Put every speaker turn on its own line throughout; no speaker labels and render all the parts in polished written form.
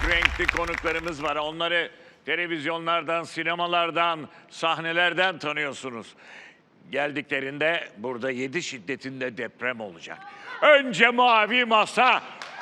renkli konuklarımız var. Onları televizyonlardan, sinemalardan, sahnelerden tanıyorsunuz. Geldiklerinde burada 7 şiddetinde deprem olacak. Önce mavi masa.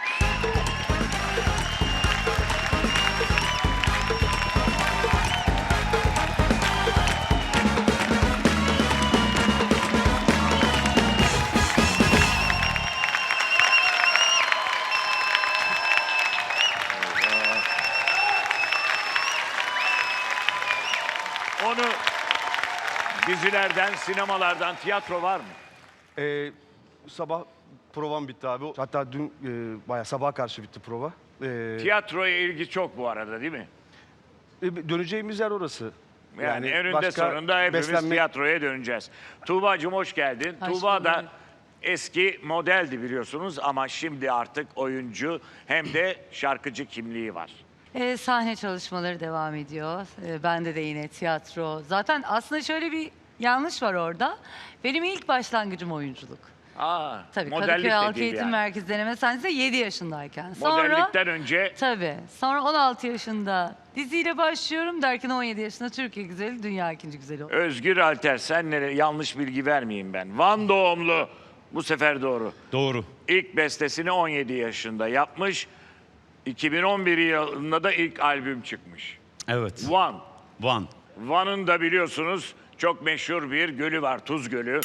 Onu dizilerden, sinemalardan, tiyatro var mı?
Sabah provam bitti abi. Hatta dün bayağı sabaha karşı bitti prova.
Tiyatroya ilgi çok bu arada, değil mi?
Döneceğimiz yer orası.
Yani eninde
başka
sonunda hepimiz tiyatroya döneceğiz. Tuğba'cığım hoş geldin.
Hoş
Tuğba da
bulduk.
eski modeldi biliyorsunuz ama şimdi artık oyuncu hem de şarkıcı kimliği var.
Sahne çalışmaları devam ediyor. Bende de yine tiyatro. Zaten aslında şöyle bir yanlış var orada. Benim ilk başlangıcım oyunculuk.
Aa,
Tabii
modellik
Kadıköy
de
Halk
değil
Eğitim
yani.
Merkezi Deneme Sahnesi'nde 7 yaşındayken.
Modellikten önce
Tabii. Sonra 16 yaşında diziyle başlıyorum derken 17 yaşında Türkiye güzeli, dünya ikinci güzeli oldu.
Özgür Alter, sen yanlış bilgi vermeyeyim ben. Van doğumlu, bu sefer doğru.
Doğru.
İlk bestesini 17 yaşında yapmış. 2011 yılında da ilk albüm çıkmış.
Evet.
Van.
Van.
Van'ın da biliyorsunuz çok meşhur bir gölü var, Tuz Gölü.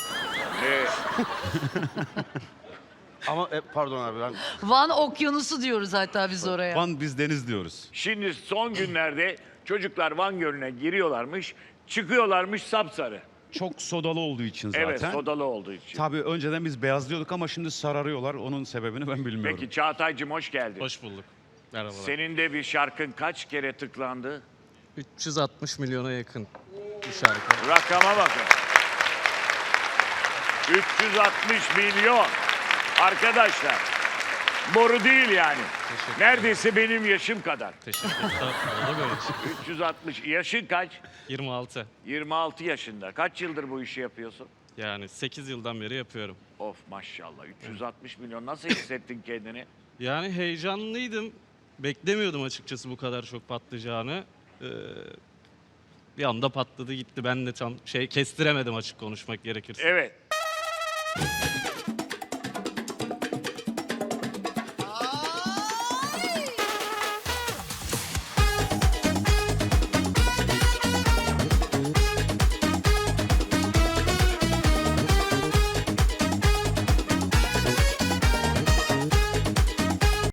Ama pardon abi ben
Van Okyanusu diyoruz hatta biz oraya.
Van biz deniz diyoruz.
Şimdi son günlerde çocuklar Van Gölü'ne giriyorlarmış, çıkıyorlarmış sapsarı.
Çok sodalı olduğu için zaten.
Evet, sodalı olduğu için.
Tabii önceden biz beyazlıyorduk ama şimdi sararıyorlar. Onun sebebini ben bilmiyorum.
Peki Çağatay'cığım hoş geldin.
Hoş bulduk. Merhabalar.
Senin de bir şarkın kaç kere tıklandı?
360 milyona yakın bir şarkı.
Rakama bakın. 360 milyon. Arkadaşlar, boru değil yani.
Teşekkür
Neredeyse benim yaşım kadar.
Teşekkür ederim. Olur böyle şey.
360. Yaşın kaç?
26.
26 yaşında. Kaç yıldır bu işi yapıyorsun?
Yani 8 yıldan beri yapıyorum.
Of maşallah. 360 milyon. Nasıl hissettin kendini?
Yani heyecanlıydım. Beklemiyordum açıkçası bu kadar çok patlayacağını. Bir anda patladı gitti. Ben de tam kestiremedim açık konuşmak gerekirse.
Evet.